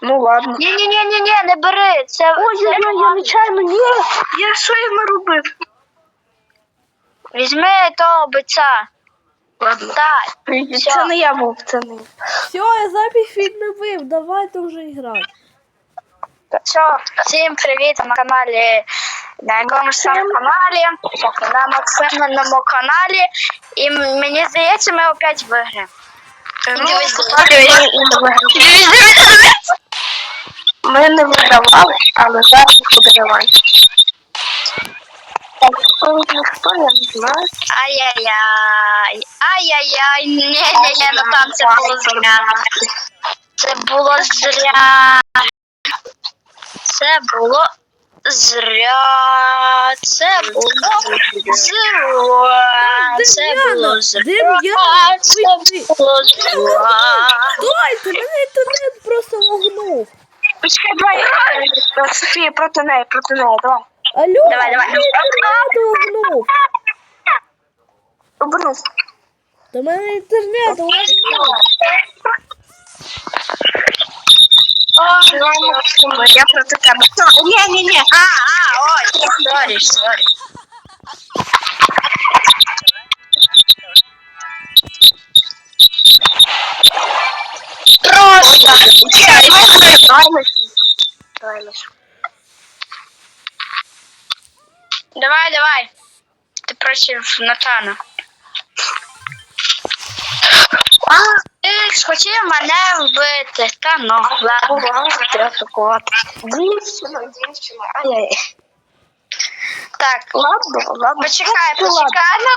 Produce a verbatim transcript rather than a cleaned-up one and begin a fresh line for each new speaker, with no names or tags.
Ну ладно.
Ні-ні-ні-ні, не бери. Це.
Ой,
це...
я, я нечайно, ні. Я що я наробив?
Візьми того бойця.
Ладно.
Так.
Це не я був, це не я.
Все, я запись відновив, давайте вже грати.
Все, всім привіт на каналі, на якомусь там каналі, на Максиминому каналі. І м- мені здається, ми опять виграємо.
Ну,
Дивись,
ми не видавали, але зараз подавай. Так, ніхто, я не знаю.
Ай-яй-яй, ай-яй-яй, ні-ні-ні, ну там це було зря. Це було зря. Це було зря. Це було зря. Це було зря.
Дем'яна,
Це
ви-
було зря.
Стойте, мене інтернет просто лагнув.
Почекай, давай, е, Софія, проти неї, проти неї, давай.
Алло,
Давай, давай.
мене інтернет лагнув.
Обернись.
Та мене інтернет лагнув.
Я проти тебе. Ні, ні, ні.
А, а, ой, сорі, сорі. Просто. Давай, давай. Ти проти Натана. А, ти ж хотів мене вбити. Та ну, ладно.
Треба атакувати. Дівчина, дівчина. Ай-яй.
Так,
Ладно, ладно.
почекай,
Ну, ладно.
почекай.